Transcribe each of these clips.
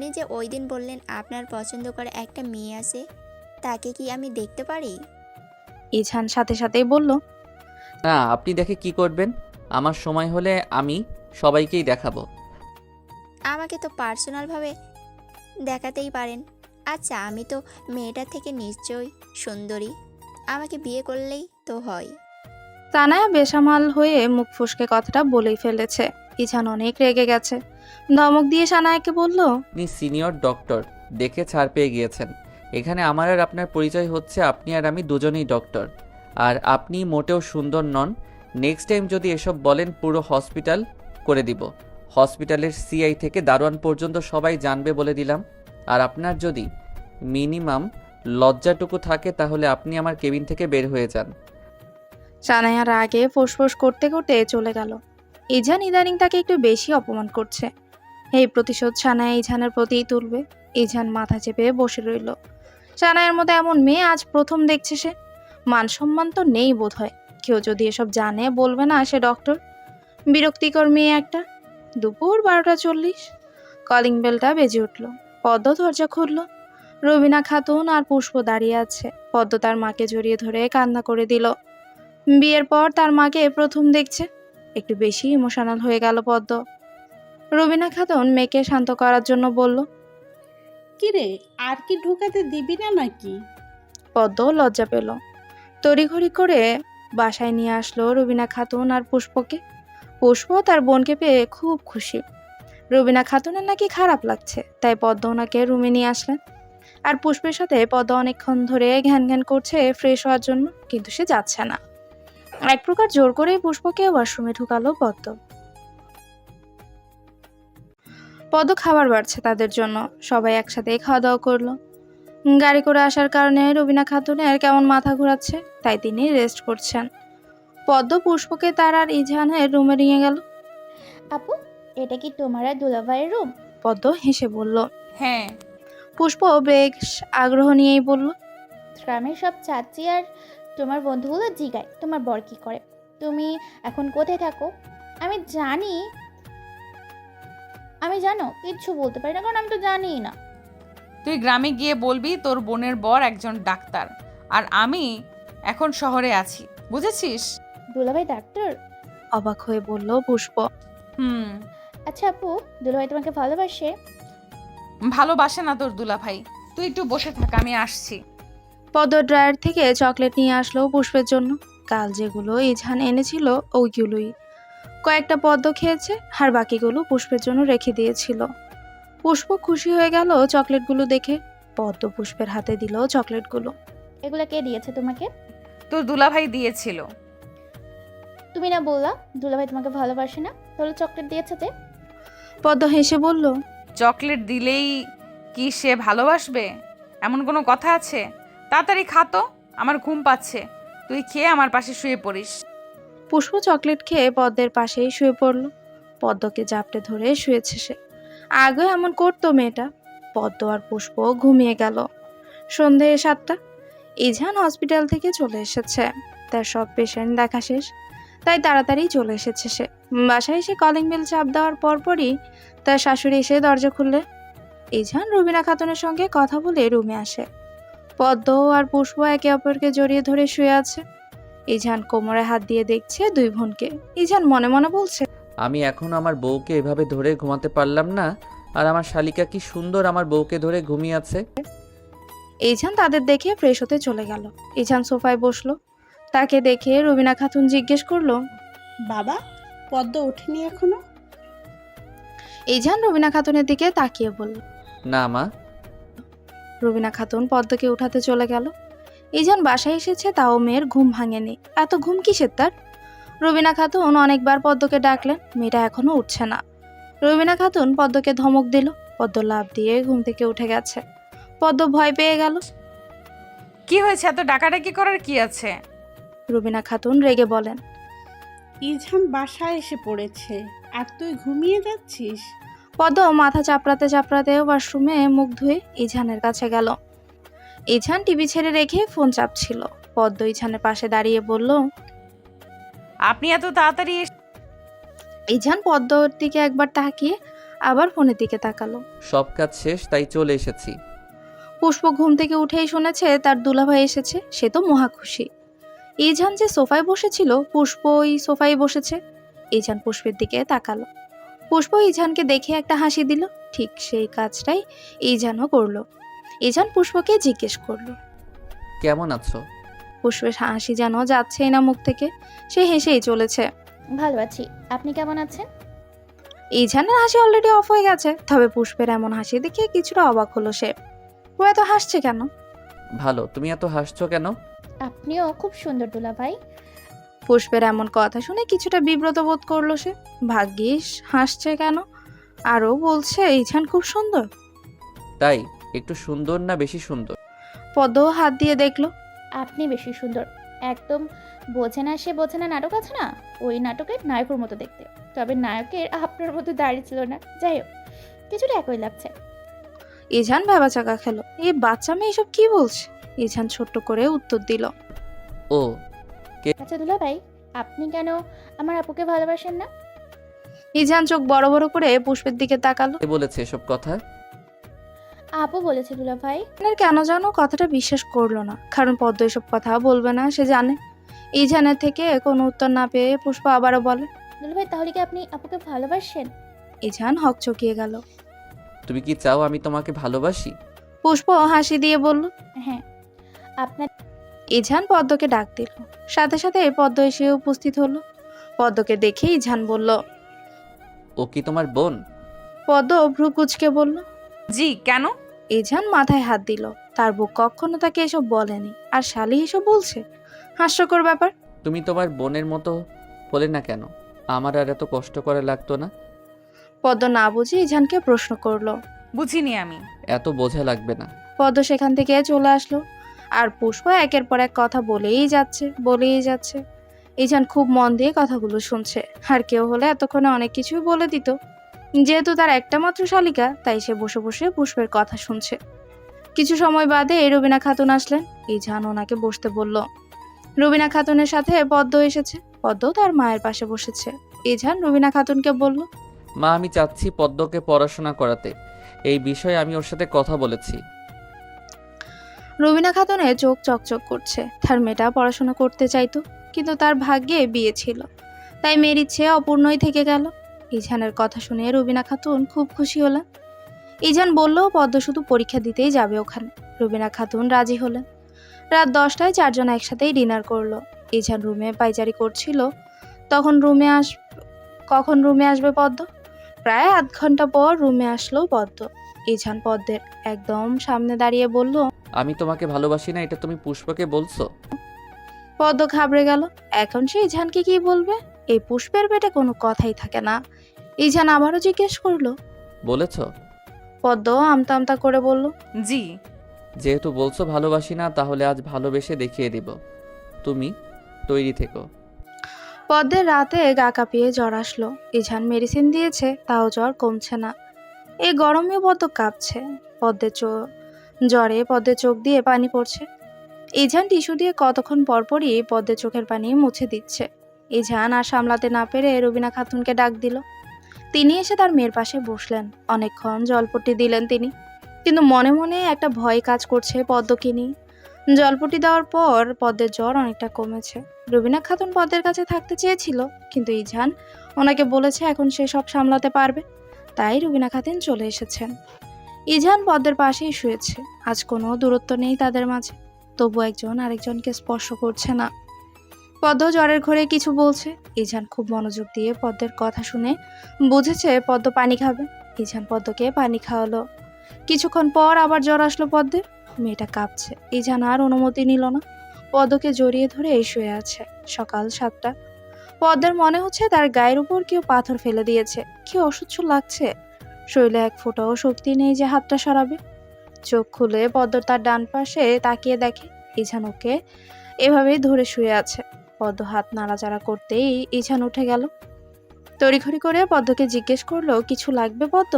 আপনি যে ওই দিন বললেন আপনার পছন্দ করা একটা মেয়ে আছে, তাকে কি আমি দেখতে পারি? ইঝান সাথে সাথেই বলল, না, আপনি দেখে কি করবেন? আমার সময় হলে আমি সবাইকেই দেখাবো। আমাকে তো পার্সোনালভাবে দেখাতেই পারেন। আচ্ছা, আমি তো মেয়েটার থেকে নিশ্চয়ই সুন্দরী, আমাকে বিয়ে করলেই তো হয়। তানায়া বেসামাল হয়ে মুখ ফসকে কথাটা বলেই ফেলেছে। ইঝান অনেক রেগে গেছে। ধমক দিয়ে সানায়াকে বলল, আপনি সিনিয়র ডক্টর, দেখে ছাড় পেয়ে গিয়েছেন। এখানে আমার আর আপনার পরিচয় হচ্ছে আপনি আর আমি দুজনেই ডক্টর, আর আপনি মোটেও সুন্দর নন। নেক্সট টাইম যদি এসব বলেন পুরো হসপিটাল করে দিব। হসপিটালের সিআই থেকে দারোয়ান পর্যন্ত সবাই জানবে বলে দিলাম। আর আপনার যদি মিনিমাম লজ্জাটুকু থাকে তাহলে আপনি আমার কেবিন থেকে বের হয়ে যান। সানায়ার আগে ফোঁস করতে করতে চলে গেল। ইঝান ইদানিং তাকে একটু বেশি অপমান করছে। এই প্রতিশোধ সানায়া ইঝানের প্রতিই তুলবে। ইঝান মাথা চেপে বসে রইল। সানায়ার মতো এমন মেয়ে আজ প্রথম দেখছে সে। মান সম্মান তো নেই বোধ হয়। কেউ যদি এসব জানে বলবে না সে ডক্টর। বিরক্তিকর মেয়ে একটা। দুপুর 12:40। কলিং বেলটা বেজে উঠল। পদ্ম দরজা খুলল। রবিনা খাতুন আর পুষ্প দাঁড়িয়ে আছে। পদ্ম তার মাকে জড়িয়ে ধরে কান্না করে দিল। বিয়ের পর তার মাকে প্রথম দেখছে। একটু বেশি ইমোশনাল হয়ে গেল পদ্ম। রবিনা খাতুন মেয়েকে শান্ত করার জন্য বলল, কিরে, আর কি ঢুকাতে দিবি না নাকি? পদ্ম লজ্জা পেল। তড়িঘড়ি করে বাসায় নিয়ে আসলো রবিনা খাতুন আর পুষ্পকে। পুষ্প তার বোনকে পেয়ে খুব খুশি। রবিনা খাতুনের নাকি খারাপ লাগছে, তাই পদ্ম ওনাকে রুমে নিয়ে আসলেন। আর পুষ্পের সাথে পদ্ম অনেকক্ষণ ধরে ঘ্যান ঘ্যান করছে ফ্রেশ হওয়ার জন্য, কিন্তু সে যাচ্ছে না। এক প্রকার জোর করে পুষ্পকে ওয়াশরুমে ঢুকালো পদ্ম। পদ্ম খাবার বাড়ছে তাদের জন্য। সবাই একসাথে খাওয়া দাওয়া করলো। গাড়ি করে আসার কারণে রবিনা খাতুনের কেমন মাথা ঘোরাচ্ছে, তাই তিনি রেস্ট করছেন। পদ্ম পুষ্পকে তার আর ইজহানের রুমে নিয়ে গেল। আপু, এটা কি তোমার আর দুলাভাইয়ের রুম? পদ্ম হেসে বলল। হ্যাঁ। পুষ্প বেশ আগ্রহ নিয়েই বলল, গ্রামের সব চাচি আর তোমার বন্ধুগুলো জিগায় তোমার বর কি করে, তুমি এখন কোথায় থাকো। আমি জানি, আমি জানো কিচ্ছু বলতে পারি না, কারণ আমি তো জানিই না। তুই গ্রামে গিয়ে বলবি তোর বোনের বর একজন ডাক্তার, আর আমি এখন শহরে আছি, বুঝেছিস? দুলাভাই ডাক্তার? অবাক হয়ে বলল পুষ্প। হুম। আচ্ছা আপু, দুলাভাই তোমাকে ভালোবাসে? ভালোবাসে না তোর দুলাভাই। তুই একটু বসে থাক, আমি আসছি। পদ্ম ড্রায়ার থেকে চকলেট নিয়ে আসলো পুষ্পের জন্য। কাল যেগুলো ইজহান এনেছিল ওইগুলোই। কয়েকটা পদ্ম খেয়েছে, আর বাকিগুলো পুষ্পের জন্য রেখে দিয়েছিল। পুষ্প খুশি হয়ে গেল চকলেটগুলো দেখে। পদ্ম পুষ্পের হাতে দিল চকলেটগুলো। এগুলা কে দিয়েছে তোমাকে? তোর দুলাভাই দিয়েছিল। তুমি না বললা দুলাভাই তোমাকে ভালোবাসে না, তাহলে চকলেট দিয়েছে তে? পদ্ম হেসে বলল, চকলেট দিলেই কি সে ভালোবাসবে? এমন কোনো কথা আছে? তাড়াতাড়ি খা তো, আমার ঘুম পাচ্ছে। তুই খেয়ে আমার পাশে শুয়ে পড়িস। পুষ্প চকলেট খেয়ে পদ্মের পাশেই শুয়ে পড়ল। পদ্মকে জাপটে ধরে শুয়েছে সে। আগে এমন করতো মেয়েটা। পদ্ম আর পুষ্প ঘুমিয়ে গেল। সন্ধে 7টা। ইজহান হসপিটাল থেকে চলে এসেছে। তার সব পেশেন্ট দেখা শেষ, তাই তাড়াতাড়ি চলে এসেছে সে। বাসায় এসে কলিং বেল চাপ দেওয়ার পরপরই তার শাশুড়ি এসে দরজা খুললে। ইজহান রুবিনা খাতুনের সঙ্গে কথা বলে রুমে আসে। পদ্ম আর পুষ্প একে অপরকে জড়িয়ে ধরে শুয়ে আছে। ইজহান কোমরে হাত দিয়ে দেখছে দুই বোনকে। ইজহান মনে মনে বলছে, আমি এখন আমার বউকে এভাবে ধরে ঘুমাতে পারলাম না, আর আমার শালিকা কি সুন্দর আমার বউকে ধরে ঘুমিয়ে আছে। ইজহান তাদের দেখে ফ্রেশ হতে চলে গেল। ইজহান সোফায় বসলো। তাকে দেখে রুবিনা খাতুন জিজ্ঞেস করলো, বাবা, পদ্ম ওঠেনি এখনো? ইজহান রুবিনা খাতুনের দিকে তাকিয়ে বলল। না মা। রুবিনা খাতুন পদ্মকে উঠাতে চলে গেল। ইজহান বাসায় এসেছে, তাও মেয়ের ঘুম ভাঙেনি। এত ঘুম কিসের তার? রুবিনা খাতুন অনেকবার পদ্মকে ডাকলেন, মেয়েটা এখনো উঠছে না। রুবিনা খাতুন পদ্মকে ধমক দিল। পদ্ম লাফ দিয়ে ঘুম থেকে উঠে গেছে। পদ্ম ভয় পেয়ে গেল। কি হয়েছে? এত ডাকাডাকি করার কি আছে? রুবিনা খাতুন রেগে বলেন। ইজহান বাসায় এসে পড়েছে, আর তুই ঘুমিয়ে যাচ্ছিস? পদ্ম মাথা চাপড়াতে চাপড়াতে ওয়াশরুমে মুখ ধুয়ে ইজহানের কাছে গেল। ইজহান টিভি ছেড়ে রেখে ফোন চাপছিল। পদ্ম ইজহানের পাশে দাঁড়িয়ে বলল। আপনি এত তাড়াতাড়ি ইজহান পদ্মর দিকে একবার তাকিয়ে আবার ফোনের দিকে তাকালো। সব কাজ শেষ, তাই চলে এসেছি। পুষ্প ঘুম থেকে উঠেই শুনেছে তার দুলাভাই এসেছে, সে তো মহা খুশি। ইজান যে সোফায় বসেছিল, পুষ্প ওই সোফায় বসেছে। ইজান পুষ্পের দিকে তাকালো। পুষ্প ইজানকে দেখে একটা হাসি দিল। ঠিক সেই কাজটাই ইজানও করলো। ইজান পুষ্পকে জিজ্ঞেস করলো। কেমন আছো? পুষ্পের হাসি যেন যাচ্ছেই না মুখ থেকে, সে হেসেই চলেছে। ভালো আছি, আপনি কেমন আছেন? ইজানের হাসি অলরেডি অফ হয়ে গেছে, তবে পুষ্পের এমন হাসি দেখে কিছুটা অবাক হলো সে। ও এত হাসছে কেন? ভালো। তুমি এত হাসছো কেন? আপনিও খুব সুন্দর দুলাভাই। পুষ্পের এমন কথা শুনে কিছুটা বিব্রত বোধ করলো সে। ভাগ্যিস হাসছে কেন, আরও বলছে ইজান খুব সুন্দর। তাই একটু সুন্দর না বেশি সুন্দর? পদ্ম হাত দিয়ে দেখলো। আপনি বেশি সুন্দর। একদম বোঝে না সে বোঝে না নাটক আছে না, ওই নাটকের নায়কের মতো দেখতে। তবে নায়কের আপনার মতো দাঁড়িয়ে ছিল না। যাই হোক, কিছুটা একই লাগছে। ইজান ভেবাচাকা খেলো, এই বাচ্চা মেয়ে এসব কি বলছে। ইজান ছোট্ট করে উত্তর দিল। ও আচ্ছা দুলাভাই, আপনি কেন আমার আপুকে ভালোবাসেন না? ইজান চোখ বড় বড় করে পুষ্পের দিকে তাকালো। কে বলেছে এসব কথা? আপু বলেছে দুলাভাই। ইজানের কেন জানো কথাটা বিশ্বাস করলো না, কারণ পদ্ম এসব কথা বলবে না সে জানে। ইজানের থেকে কোনো উত্তর না পেয়ে পুষ্প আবারও বলে। দুলাভাই, তাহলে কি আপনি আপুকে ভালোবাসেন? ইজান হকচকিয়ে গেল। তুমি কি চাও আমি তোমাকে ভালোবাসি? পুষ্প হাসি দিয়ে বলল। হ্যাঁ, আপনার। ইজান পদ্মকে ডাক দিল। সাথে সাথে পদ্ম এসে উপস্থিত হলো। পদ্মকে দেখে ইজান বলল। ও কি তোমার বোন? পদ্ম ভ্রু কুচকে বলল। জি, কেন? ইজান মাথায় হাত দিল। তার বউ কখনো তাকে এসব বলেনি, আর শালি এসব বলছে, হাস্যকর ব্যাপার। তুমি তোমার বোনের মতো হলে না কেন? আমার আর এত কষ্ট করা লাগতো না। পদ্ম না বুঝে ইজানকে প্রশ্ন করলো। বুঝিনি আমি। এত বোঝা লাগবে না। পদ্ম সেখান থেকে চলে আসলো। আর পুষ্প একের পর এক কথা বলেই যাচ্ছে। ইজান খুব মন দিয়ে কথাগুলো শুনছে। আর কেউ হলে এতক্ষণে অনেক কিছুই বলে দিত। যেহেতু তার একটা মাত্র শালিকা, তাই সে বসে বসে পুষ্পের কথা শুনছে। কিছু সময় বাদে রুবিনা খাতুন আসলেন। ইজান ওনাকে বসতে বলল। রুবিনা খাতুনের সাথে পদ্ম এসেছে। পদ্ম তার মায়ের পাশে বসেছে। ইজান রুবিনা খাতুনকে বলল। মা, আমি চাচ্ছি পদ্মকে পড়াশোনা করাতে। এই বিষয়ে আমি ওর সাথে কথা বলেছি। রুবিনা খাতুনের চোখ চকচক করছে। তার মেয়েটা পড়াশোনা করতে চাইতো, কিন্তু তার ভাগ্যে বিয়ে ছিল, তাই মেয়ের ইচ্ছে অপূর্ণই থেকে গেল। ইজানের কথা শুনে রুবিনা খাতুন খুব খুশি হলেন। ইজান বলল পদ্ম শুধু পরীক্ষা দিতেই যাবে ওখানে। রুবিনা খাতুন রাজি হলেন। রাত 10টায় চারজন একসাথেই ডিনার করলো। ইজান রুমে পায়চারি করছিল, কখন রুমে আসবে পদ্ম। প্রায় আধ ঘন্টা পর রুমে আসলো পদ্ম। ইজান পদ্মের একদম সামনে দাঁড়িয়ে বলল। আমি তোমাকে ভালোবাসি না, এটা তুমি পুষ্পকে বলছো? পদ্ম ঘাবড়ে গেল। এখন সে ইজানকে কি বলবে? এই পুষ্পের পেটে কোনো কথাই থাকে না। ইজান আবারও জিজ্ঞেস করলো। বলেছো? পদ্ম আমতা আমতা করে বলল। জি। যেহেতু বলছো ভালোবাসি না, তাহলে আজ ভালোবেসে দেখিয়ে দিব। তুমি তৈরি থেকো। পদ্মের রাতে গা কাঁপিয়ে জ্বর আসলো। ইজান মেডিসিন দিয়েছে, তাও জ্বর কমছে না। এই গরমেও পদ্ম কাঁপছে। জ্বরে পদ্মের চোখ দিয়ে পানি পড়ছে। ইজান টিস্যু দিয়ে কতক্ষণ পরপরই পদ্মের চোখের পানি মুছে দিচ্ছে। ইজান আর সামলাতে না পেরে রুবিনা খাতুনকে ডাক দিল। তিনি এসে তার মেয়ের পাশে বসলেন। অনেকক্ষণ জলপট্টি দিলেন তিনি, কিন্তু মনে মনে একটা ভয় কাজ করছে পদ্মকে নিয়ে। জলপট্টি দেওয়ার পর পদ্মের জ্বর অনেকটা কমেছে। রুবিনা খাতুন পদ্মের কাছে থাকতে চেয়েছিল, কিন্তু ইজান ওনাকে বলেছে এখন সে সব সামলাতে পারবে, তাই রুবিনা খাতুন চলে এসেছেন। ইজান পদ্মের পাশেই শুয়েছে। আজ কোনো দূরত্ব নেই তাদের মাঝে, তবু একজন আরেকজনকে স্পর্শ করছে না। পদ্ম জ্বরের ঘরে কিছু বলছে। ইজান খুব মনোযোগ দিয়ে পদ্মের কথা শুনে বুঝেছে পদ্ম পানি খাবে। ইজান পদ্মকে পানি খাওয়ালো। কিছুক্ষণ পর আবার জ্বর আসলো পদ্মের। মেয়েটা কাঁপছে। ইজান আর অনুমতি নিল না, পদ্মকে জড়িয়ে ধরে শুয়ে আছে। সকাল 7টা। পদ্মের মনে হচ্ছে তার গায়ের উপর কেউ পাথর ফেলে দিয়েছে। কি অসহ্য লাগছে। শরীরে এক ফোঁটাও শক্তি নেই যে হাতটা সরাবে। চোখ খুলে পদ্ম তার ডান পাশে তাকিয়ে দেখে ইজান ওকে এভাবেই ধরে শুয়ে আছে। পদ্ম হাত নাড়াচাড়া করতেই ইজান উঠে গেল। তড়িঘড়ি করে পদ্মকে জিজ্ঞেস করলো, কিছু লাগবে পদ্ম?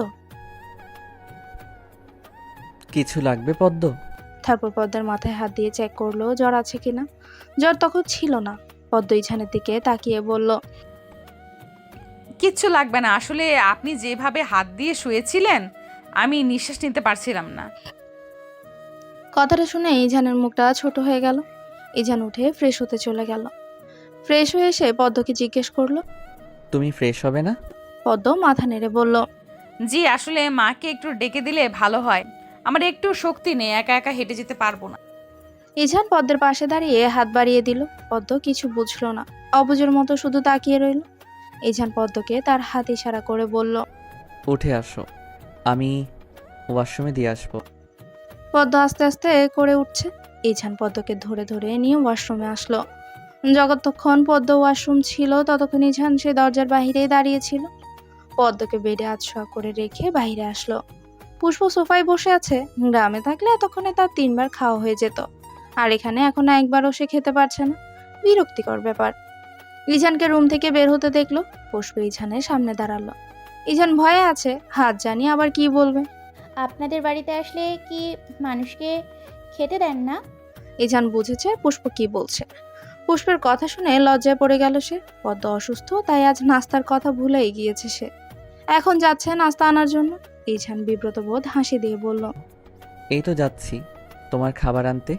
কিছু লাগবে পদ্ম? তারপর পদ্মের মাথায় হাত দিয়ে চেক করলো জ্বর আছে কিনা। জ্বর তখন ছিল না। পদ্ম ইজানের দিকে তাকিয়ে বলল। কিচ্ছু লাগবে না, আসলে আপনি যেভাবে হাত দিয়ে শুয়েছিলেন আমি নিঃশ্বাস নিতে পারছিলাম না। কথাটা শুনে ইজানের মুখটা ছোট হয়ে গেল। ইজান উঠে ফ্রেশ হতে চলে গেল। ফ্রেশ হয়ে এসে পদ্মকে জিজ্ঞেস করলো। তুমি ফ্রেশ হবে না? পদ্ম মাথা নেড়ে বলল, জি, আসলে মাকে একটু ডেকে দিলে ভালো হয়, আমার একটু শক্তি নেই, একা একা হেঁটে যেতে পারবো না। ইজান পদ্মের পাশে দাঁড়িয়ে হাত বাড়িয়ে দিল। পদ্ম কিছু বুঝলো না, অবুঝের মতো শুধু তাকিয়ে রইল। ইজান পদ্মকে তার হাত ইশারা করে বলল, উঠে আসো, আমি ওয়াশরুমে দিয়ে আসবো। পদ্ম আস্তে আস্তে করে উঠছে। ইজান পদ্মকে ধরে ধরে নিয়ে ওয়াশরুমে আসলো। যতক্ষণ পদ্ম ওয়াশরুম ছিল ততক্ষণ ইজান সে দরজার বাহিরেই দাঁড়িয়েছিল। পদ্মকে বেডে আছোয়া করে রেখে বাইরে আসলো। পুষ্প সোফায় বসে আছে। গ্রামে থাকলে এতক্ষণে তার 3বার খাওয়া হয়ে যেত, আর এখানে এখন একবারও সে খেতে পারছে না। বিরক্তিকর ব্যাপার। ইজানকে রুম থেকে বের হতে দেখলো। পুষ্প ইজানের সামনে দাঁড়ালো। ইজান ভয়ে আছে, হাত জানি আবার কি বলবে। আপনাদের বাড়িতে আসলে কি মানুষকে খেতে দেন না? ইজান বুঝেছে পুষ্প কি বলছে। পুষ্পের কথা শুনে লজ্জায় পড়ে গেল সে। পদ্ম অসুস্থ, তাই আজ নাস্তার কথা ভুলেই গিয়েছে সে। এখন যাচ্ছে নাস্তা আনার জন্য। ইজান বিব্রত বোধ হাসি দিয়ে বলল, এই তো যাচ্ছি তোমার খাবার আনতে।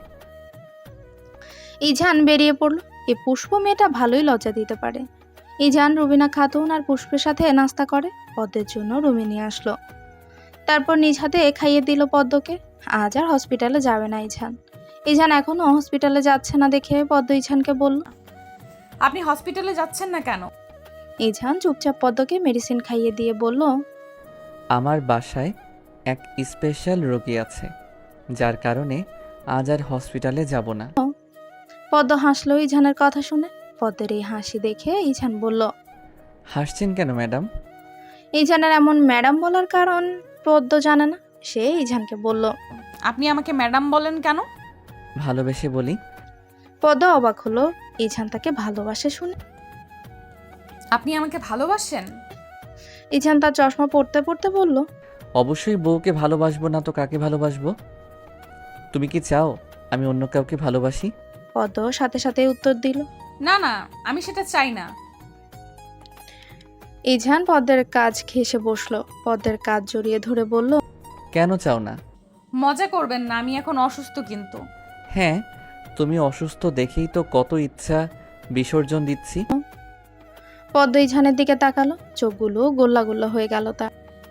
ইজান বেরিয়ে পড়ল। এই পুষ্প মেয়েটা ভালোই লজ্জা দিতে পারে। ইজান রুবিনা খাতুন আর পুষ্পের সাথে নাস্তা করে পদ্মের জন্য রুমে নিয়ে আসলো। তারপর নিজ হাতে খাইয়ে দিল পদ্মকে। আজ আর হসপিটালে যাবে না ইজান। ইজান এখনো হসপিটালে যাচ্ছে না দেখে পদ্ম ইজানকে বলল। আপনি হসপিটালে যাচ্ছেন না কেন? ইজান চুপচাপ পদ্মকে মেডিসিন খাইয়ে দিয়ে বলল, আমার বাসায় এক স্পেশাল রোগী আছে, যার কারণে আজ আর হসপিটালে যাব না। পদ্ম হাসলো ইজানের কথা শুনে। পদ্মের এই হাসি দেখে ইজান বলল, হাসছেন কেন ম্যাডাম? ইজানের এমন ম্যাডাম বলার কারণ পদ্ম জানে না। সে ইজানকে বলল, আপনি আমাকে ম্যাডাম বলেন কেন? ভালোবেসে বলি। পদ্ম অবাক হলো ইজান তাকে ভালোবাসে শুনে। আপনি আমাকে ভালোবাসেন? ইজান তার চশমা পড়তে পড়তে বলল, অবশ্যই বউকে ভালোবাসবো না তো কাকে ভালোবাসবো? তুমি কি চাও আমি অন্য কাউকে ভালোবাসি? পদ্ম সাথে সাথে উত্তর দিল। না না, আমি সেটা চাই না। ইজান পদ্মের কাজ ঘেঁষে বসলো। পদ্মের কাজ জড়িয়ে ধরে বলল, কেন চাও না? মজা করবেন না, আমি এখন অসুস্থ কিন্তু। হ্যাঁ, তুমি অসুস্থ দেখেই তো কত ইচ্ছা বিসর্জন দিচ্ছি। পদ্ম ইজানের দিকে তাকালো। চোখগুলো গোল্লা গোল্লা হয়ে গেল তার।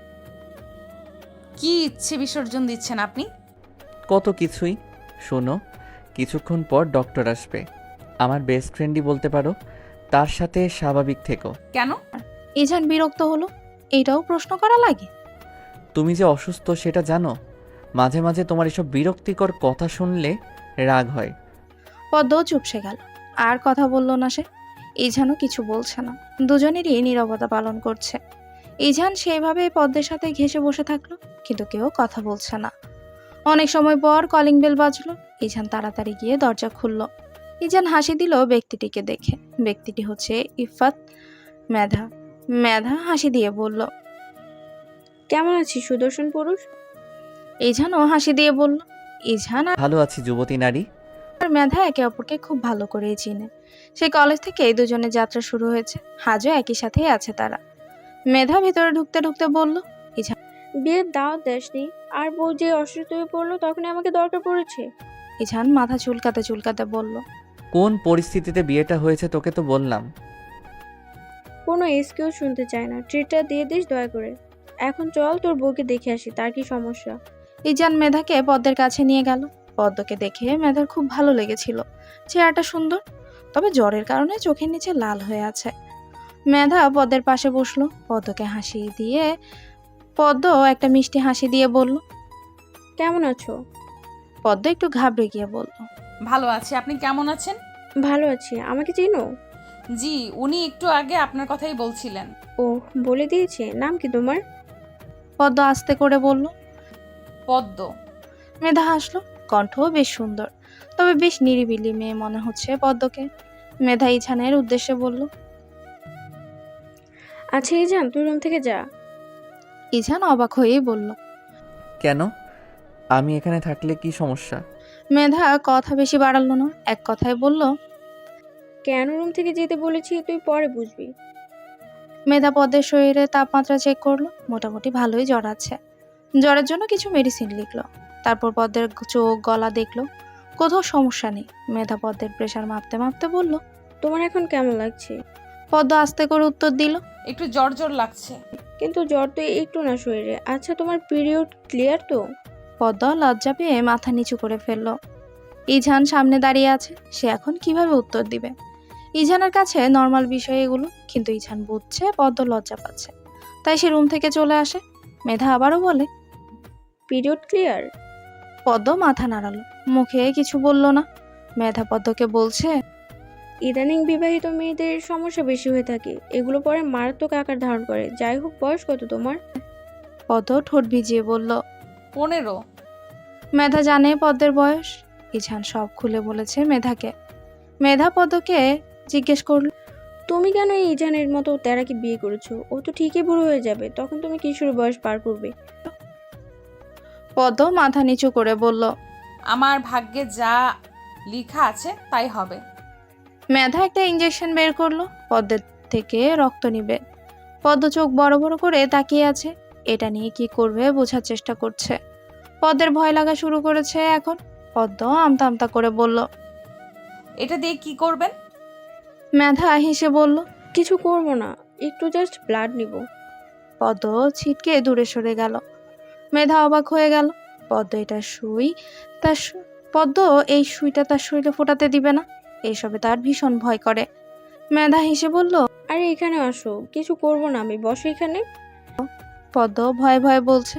কি ইচ্ছে বিসর্জন দিচ্ছেন আপনি? কত কিছুই। শোনো, কিছুক্ষণ পর ডক্টর আসবে, আমার বেস্ট ফ্রেন্ডই বলতে পারো, তার সাথে স্বাভাবিক থেকো। কেন? ইজান বিরক্ত হলো। এটাও প্রশ্ন করা লাগে? তুমি যে অসুস্থ সেটা জানো। মাঝে মাঝে তোমার এসব বিরক্তিকর কথা শুনলে রাগ হয়। পদ্ম চুপসে গেল। আর কথা বলল না সে। ইজানও কিছু বলছে না। দুজনেরই নীরবতা পালন করছে। ইজান সেইভাবে পদ্মের সাথে ঘেঁষে বসে থাকলো, কিন্তু কেউ কথা বলছে না। অনেক সময় পর কলিং বেল বাজলো। ইজান তাড়াতাড়ি গিয়ে দরজা খুলল। ইজান হাসি দিল ব্যক্তিটিকে দেখে। ব্যক্তিটি হচ্ছে ইফাত মেধা। মেধা হাসি দিয়ে বলল, কেমন আছিস সুদর্শন পুরুষ? ইজানও হাসি দিয়ে বলল। ইজান ভালো আছি যুবতী নারী। আর মেধা একে অপরকে খুব ভালো করেই চিনে। সেই কলেজ থেকে এই দুজনের যাত্রা শুরু হয়েছে। আজও একই সাথেই আছে তারা। মেধা ভিতরে ঢুকতে ঢুকতে বলল, বিয়ের দাওয়াত দেসনি, আর বউ যে অসুস্থ হয়ে পড়লো তখনই আমাকে দরকার পড়েছে। ইজান মাথা চুলকাতে চুলকাতে বলল, কোন পরিস্থিতিতে বিয়েটা হয়েছে তোকে তো বললাম। কোনো এক্সকিউজ শুনতে চায় না, ট্রিটটা দিয়ে দিস দয়া করে। এখন চল তোর বউকে দেখে আসি, তার কি সমস্যা। ইজান মেধাকে পদ্মের কাছে নিয়ে গেল। পদ্মকে দেখে মেধার খুব ভালো লেগেছিল। চেহারাটা সুন্দর, তবে জ্বরের কারণে চোখের নিচে লাল হয়ে আছে। মেধা পদ্মের পাশে বসলো। পদ্মকে হাসি দিয়ে পদ্ম একটা মিষ্টি হাসি দিয়ে বলল, কেমন আছো? পদ্ম একটু ঘাবড়ে গিয়ে বলল, ভালো আছি, আপনি কেমন আছেন? ভালো আছি। আমাকে চিনো? জি, উনি একটু আগে আপনার কথাই বলছিলেন। ও বলে দিয়েছে। নাম কি তোমার? পদ্ম আস্তে করে বলল। পদ্ম। মেধা হাসলো। কণ্ঠও বেশ সুন্দর, তবে বেশ নিরিবিলি মেয়ে মনে হচ্ছে পদ্মকে। মেধা ইজানের উদ্দেশ্যে বলল, আচ্ছা ইজান, তুই রুম থেকে যা। ইজান অবাক হয়েই বলল, কেন? আমি এখানে থাকলে কি সমস্যা? মেধা কথা বেশি বাড়ালো না, এক কথায় বলল, কেন রুম থেকে যেতে বলেছি তুই পরে বুঝবি। মেধা পদ্মের শরীরে তাপমাত্রা চেক করলো, মোটামুটি ভালোই জ্বর আছে। জ্বরের জন্য কিছু মেডিসিন লিখলো। তারপর পদ্মের চোখ গলা দেখলো, কোথাও সমস্যা নেই। মেধা পদ্মের প্রেশার মাপতে মাপতে বলল। তোমার এখন কেমন লাগছে? পদ্ম আস্তে করে উত্তর দিল। একটু জ্বর জ্বর লাগছে। কিন্তু জ্বর তো একটু না শরীরে। আচ্ছা, তোমার পিরিয়ড ক্লিয়ার তো? পদ্ম লজ্জা পেয়ে মাথা নিচু করে ফেলল। ইঝান সামনে দাঁড়িয়ে আছে, সে এখন কিভাবে উত্তর দিবে? ইঝানের কাছে নর্মাল বিষয় এগুলো, কিন্তু ইঝান বুঝছে পদ্ম লজ্জা পাচ্ছে, তাই সে রুম থেকে চলে আসে। মেধা আবারও বলে, পিরিয়ড ক্লিয়ার? পদ্ম মাথা নাড়ালো, মুখে কিছু বলল না। মেধা পদ্মকে বলছে, ইদানিং বিবাহিত মেয়েদের সমস্যা বেশি হয়ে থাকে, এগুলো পরে মারাত্মক আকার ধারণ করে। যাই হোক, বয়স কত তোমার? পদ্ম ঠোঁট ভিজিয়ে বলল। 15। মেধা জানে পদ্মের বয়স। ইঝান সব খুলে বলেছে মেধাকে। মেধা পদ্মকে জিজ্ঞেস করল, তুমি কেন এই ইজানের মতো তেরাকে বিয়ে করেছো? ও তো ঠিকই বুড়ো হয়ে যাবে, তখন তুমি কিশোর বয়স পার করবে। পদ্ম মাথা নিচু করে বলল। আমার ভাগ্যে যা লেখা আছে তাই হবে। মেধা একটা ইঞ্জেকশন বের করলো, পদ্মের থেকে রক্ত নিবে। পদ্ম চোখ বড় বড় করে তাকিয়ে আছে, এটা নিয়ে কি করবে বোঝার চেষ্টা করছে। পদ্মের ভয় লাগা শুরু করেছে এখন। পদ্ম আমতা আমতা করে বলল। এটা দিয়ে কি করবেন? মেধা হেসে বলল, কিছু করবো না, একটু জাস্ট ব্লাড নিব। পদ্ম ছিটকে দূরে সরে গেল। মেধা অবাক হয়ে গেল। পদ্ম এটা সুই, পদ্ম এই সুইটা তার শরীরে ফোটাতে দিবে না, এইসবে তার ভীষণ ভয় করে। মেধা হেসে বলল, আরে এখানে আসো, কিছু করবো না আমি, বসো এখানে। পদ্ম ভয়ে ভয়ে বলছে,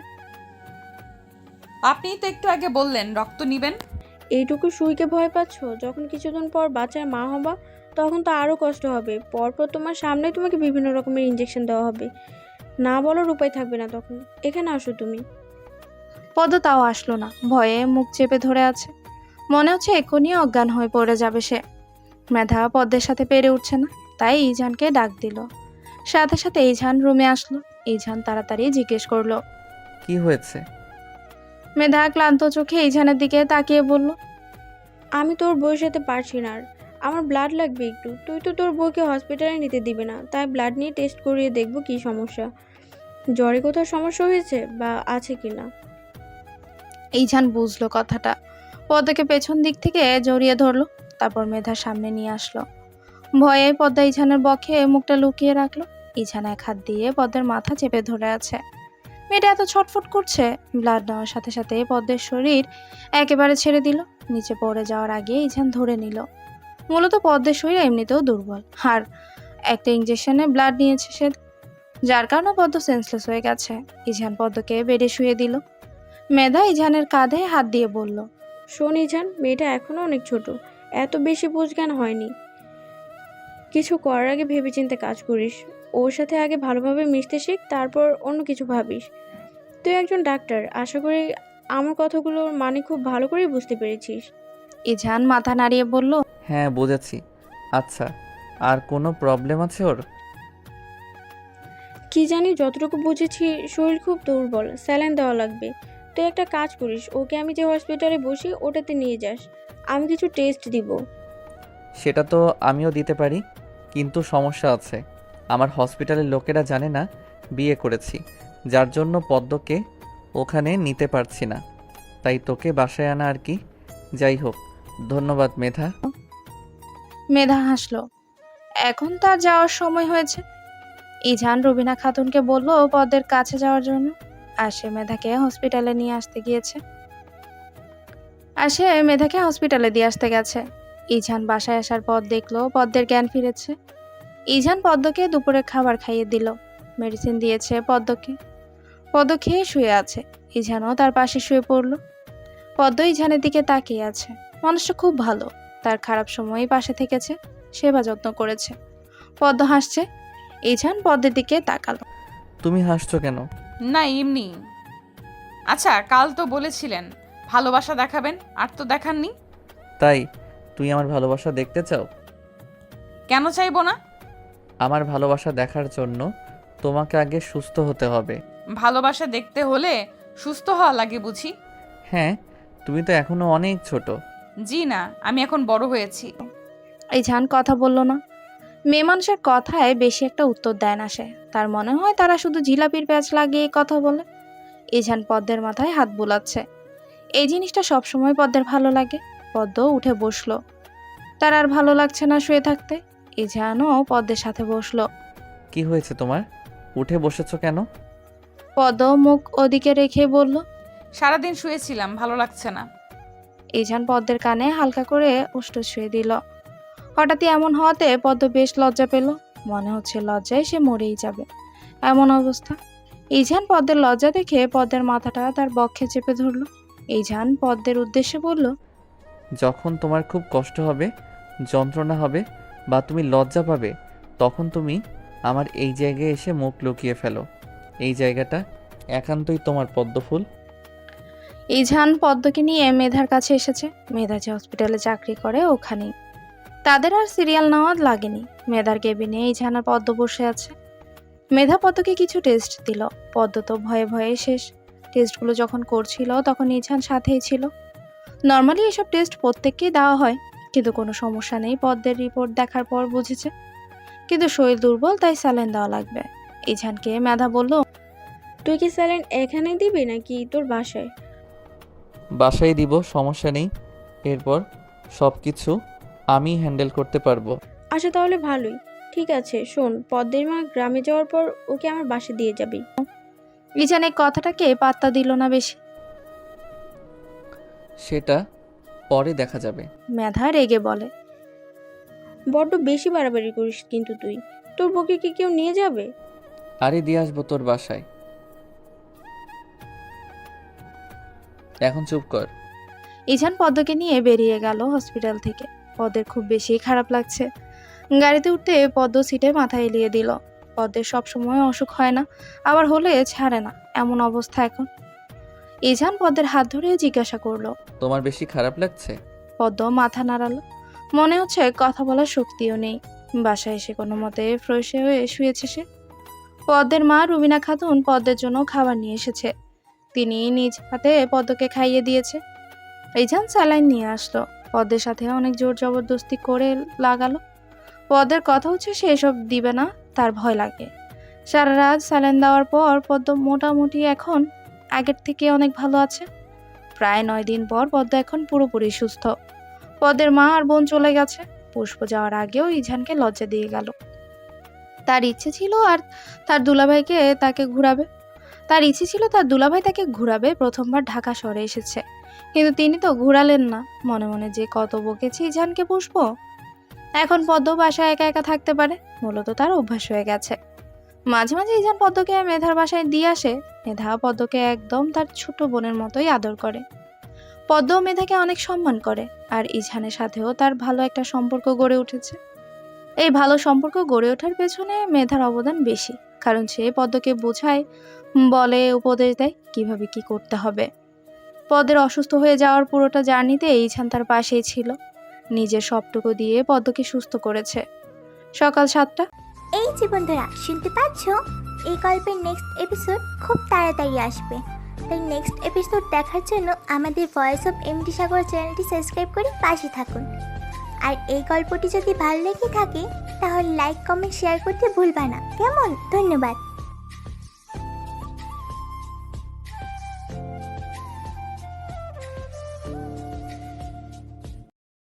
আপনি তো একটু আগে বললেন রক্ত নিবেন। এইটুকু সুইকে ভয় পাচ্ছ? যখন কিছুদিন পর বাচ্চার মা হবা তখন তো আরো কষ্ট হবে। পরপর তোমার সামনে তোমাকে বিভিন্ন রকমের ইঞ্জেকশন দেওয়া হবে, না বলার উপায় থাকবে না তখন। এখানে আসো তুমি। পদ্ম তাও আসলো না, ভয়ে মুখ চেপে ধরে আছে। মনে হচ্ছে এক্ষুনি অজ্ঞান হয়ে পড়ে যাবে সে। মেধা পদ্মের সাথে পেরে উঠছে না, তাই ইজানকে ডাক দিল। সাথে সাথে ইজান রুমে আসলো। ইজান তাড়াতাড়ি জিজ্ঞেস করলো। কি হয়েছে? মেধা ক্লান্ত চোখে ইজানের দিকে তাকিয়ে বলল, আমি তোর বউয়ের সাথে পারছি না আর, আমার ব্লাড লাগবে একটু। তুই তো তোর বউকে হসপিটালে নিতে দিবে না, তাই ব্লাড নিয়ে টেস্ট করিয়ে দেখবো কি সমস্যা, জ্বরে কোথাও সমস্যা হয়েছে বা আছে কি না। ইজান বুঝলো কথাটা, পদ্মকে পেছন দিক থেকে জড়িয়ে ধরলো, তারপর মেধার সামনে নিয়ে আসলো। ভয়ে পদ্মা ইজানের বক্ষে মুখটা লুকিয়ে রাখলো। ইজান এক হাত দিয়ে পদ্মের মাথা চেপে ধরে আছে। মেয়েটা এত ছটফট করছে। ব্লাড নেওয়ার সাথে সাথে পদ্মের শরীর একেবারে ছেড়ে দিল। নিচে পড়ে যাওয়ার আগে ইজান ধরে নিল। মূলত পদ্মের শরীর এমনিতেও দুর্বল, আর একটা ইঞ্জেকশনে ব্লাড নিয়েছে সে, যার কারণে পদ্ম সেন্সলেস হয়ে গেছে। ইজান পদ্মকে বেডে শুয়ে দিল। মেধা ইজানের কাঁধে হাত দিয়ে বলল, শোন ইজান, মেয়েটা এখনো অনেক ছোট, এত বেশি বুঝজ্ঞান হয়নি। কিছু করার আগে ভেবেচিন্তে কাজ করিস। ওর সাথে আগে ভালোভাবে মিশতে শিখ, তারপর অন্য কিছু ভাবিস। তুই একজন ডাক্তার, আশা করি আমার কথাগুলোর মানে খুব ভালো করেই বুঝতে পেরেছিস। ইজান মাথা নাড়িয়ে বলল, হ্যাঁ, বুঝেছি। আচ্ছা, আর কোনো প্রবলেম আছে ওর? কি জানি, যতটুকু বুঝেছি শরীর খুব দুর্বল, স্যালাইন দেওয়া লাগবে। তুই একটা কাজ করিস, ওকে আমি যে হসপিটালে বসি ওটাতে নিয়ে যাস, আমি কিছু টেস্ট দিব। সেটা তো আমিও দিতে পারি, কিন্তু সমস্যা আছে। আমার হসপিটালের লোকেরা জানে না বিয়ে করেছি, যার জন্য পদ্মকে ওখানে নিতে পারছি না, তাই তোকে বাসায় আনা আর কি। যাই হোক, ধন্যবাদ মেধা। মেধা হাসলো। এখন তার যাওয়ার সময় হয়েছে। ইজান রুবিনা খাতুনকে বলল পদ্মের কাছে যাওয়ার জন্য। আর সে মেধাকে হসপিটালে দিয়ে আসতে গেছে। ইজান বাসায় আসার পর দেখলো পদ্মের জ্ঞান ফিরেছে। ইজান পদ্মকে দুপুরে খাবার খাইয়ে দিল, মেডিসিন দিয়েছে পদ্মকে। পদ্ম খেয়ে শুয়ে আছে। ইজানও তার পাশে শুয়ে পড়লো। পদ্ম ইজানের দিকে তাকিয়ে আছে। মানুষটা খুব ভালো, তার খারাপ সময়ই পাশে থেকেছে, সেবা যত্ন করেছে। পদ্ম হাসছে। ইজান পদ্মের দিকে তাকালো। তুমি হাসছো কেন? না, এমনি। আচ্ছা, কাল তো বলেছিলেন ভালোবাসা দেখাবেন, আর তো দেখাননি। তাই তুই আমার ভালোবাসা দেখতে চাও? কেন চাইবো না? আমার ভালোবাসা দেখার জন্য তোমাকে আগে সুস্থ হতে হবে। ভালোবাসা দেখতে হলে সুস্থ হওয়া লাগে বুঝি? হ্যাঁ, তুমি তো এখনো অনেক ছোট। জি না, আমি এখন বড় হয়েছি। ইজান কথা বলল না। মেয়ে মানুষের কথায় বেশি একটা উত্তর দেয় না সে। তার মনে হয় তারা শুধু জিলাপির প্যাঁচ লাগিয়ে কথা বলে। ইঝান পদ্মের মাথায় হাত বুলাচ্ছে। এই জিনিসটা সবসময় পদ্মের ভালো লাগে। পদ্ম উঠে বসলো। তার আর ভালো লাগছে না শুয়ে থাকতে। ইঝানও পদ্মের সাথে বসলো। কি হয়েছে তোমার? উঠে বসেছো কেন? পদ্ম মুখ ওদিকে রেখে বলল। সারাদিন শুয়েছিলাম, ভালো লাগছে না। ইঝান পদ্মের কানে হালকা করে উষ্ঠ ছুঁয়ে দিল। হঠাৎই এমন হওয়াতে পদ্ম বেশ লজ্জা পেল। মনে হচ্ছে লজ্জায় সে মরেই যাবে এমন অবস্থা। ইঝান পদ্মের লজ্জা দেখে পদ্মের মাথাটা তার বক্ষে চেপে ধরল। ইঝান পদ্মের উদ্দেশ্যে বলল, যখন তোমার খুব কষ্ট হবে, যন্ত্রণা হবে বা তুমি লজ্জা পাবে, তখন তুমি আমার এই জায়গায় এসে মুখ লুকিয়ে ফেলো। এই জায়গাটা একান্তই তোমার, পদ্মফুল। ইঝান পদ্মকে নিয়ে মেধার কাছে এসেছে। মেধা যে হসপিটালে চাকরি করে ওখানেই। তাদের আর সিরিয়াল নেওয়া লাগেনি। মেধার কেবিনে ইঝান আর পদ্ম বসে আছে। মেধা পদ্মকে কিছু টেস্ট দিল। পদ্ম তো ভয়ে ভয়ে শেষ। টেস্টগুলো যখন করছিল তখন ইঝান সাথেই ছিল। নর্মালি এসব টেস্ট প্রত্যেককেই দেওয়া হয়, কিন্তু কোনো সমস্যা নেই পদ্মের রিপোর্ট দেখার পর বুঝেছে। কিন্তু শরীর দুর্বল, তাই স্যালাইন দেওয়া লাগবে। ইঝানকে মেধা বলল, তুই কি স্যালাইন এখানে দিবি নাকি তোর বাসায়? বাসায় দিব, সমস্যা নেই। এরপর সব কিছু আমি হ্যান্ডেল করতে পারবো। আচ্ছা তাহলে ভালোই। ঠিক আছে শোন, পদ্মের মা গ্রামে যাওয়ার পর ওকে আমার বাসায় দিয়ে যাবি। ইঝান এই কথাটাকে পাত্তা দিল না বেশি। সেটা পরে দেখা যাবে। মেধা রেগে বলে, বড্ড বেশি বাড়াবাড়ি করিস কিন্তু তুই। তোর বউকে কি কেউ নিয়ে যাবে? আরে দিয়ে আসবো তোর বাসায়। এখন চুপ কর। ইঝান পদ্মকে নিয়ে বেরিয়ে গেল হসপিটাল থেকে। পদ্মের খুব বেশি খারাপ লাগছে। গাড়িতে উঠতে পদ্ম সিটে মাথা এলিয়ে দিল। পদ্মের সবসময় অসুখ হয় না, আবার হলে ছাড়ে না, এমন অবস্থা এখন। ইঝান পদ্মের হাত ধরে জিজ্ঞাসা করলো, তোমার বেশি খারাপ লাগছে? পদ্ম মাথা নাড়ালো। মনে হচ্ছে কথা বলার শক্তিও নেই। বাসায় এসে কোনো মতে ফ্রেশ হয়ে শুয়েছে সে। পদ্মের মা রুবিনা খাতুন পদ্মের জন্য খাবার নিয়ে এসেছে। তিনি নিজ হাতে পদ্মকে খাইয়ে দিয়েছে। ইঝান স্যালাইন নিয়ে আসলো। পদ্মের সাথে অনেক জোর জবরদস্তি করে লাগালো। পদ্মের কথা হচ্ছে সে এসব দিবে না, তার ভয় লাগে। সারা রাত স্যালাইন দেওয়ার পর পদ্ম মোটামুটি এখন আগের থেকে অনেক ভালো আছে। প্রায় 9 দিন পর পদ্ম এখন পুরোপুরি সুস্থ। পদ্মের মা আর বোন চলে গেছে। পুষ্প যাওয়ার আগেও ইঝানকে লজ্জা দিয়ে গেল। তার ইচ্ছে ছিল তার দুলাভাই তাকে ঘুরাবে। প্রথমবার ঢাকা শহরে এসেছে, কিন্তু তিনি তো ঘুরালেন না। মনে মনে যে কত বকেছি ইঝানকে পুষ্প। এখন পদ্ম বাসায় একা একা থাকতে পারে, মূলত তার অভ্যাস হয়ে গেছে। মাঝে মাঝে ইঝান পদ্মকে মেধার বাসায় দিয়ে আসে। মেধা পদ্মকে একদম তার ছোট বোনের মতোই আদর করে। পদ্ম মেধাকে অনেক সম্মান করে, আর ইঝানের সাথেও তার ভালো একটা সম্পর্ক গড়ে উঠেছে। এই ভালো সম্পর্ক গড়ে ওঠার পেছনে মেধার অবদান বেশি, কারণ সে পদ্মকে বোঝায়, বলে, উপদেশ দেয় কিভাবে কি করতে হবে। পদ্মের অসুস্থ হয়ে যাওয়ার পুরোটা জার্নিতে ইঝান তার পাশেই ছিল। নিজের সবটুকু দিয়ে পদ্মকে সুস্থ করেছে। সকাল 7টা। এই যে বন্ধুরা, শুনতে পাচ্ছ? এই গল্পের নেক্সট এপিসোড খুব তাড়াতাড়ি আসবে। তাই নেক্সট এপিসোড দেখার জন্য আমাদের ভয়েস অফ এমডি সাগর চ্যানেলটি সাবস্ক্রাইব করে পাশে থাকুন। আর এই গল্পটি যদি ভালো লেগে থাকে তাহলে লাইক, কমেন্ট, শেয়ার করতে ভুলবা না। কেমন? ধন্যবাদ।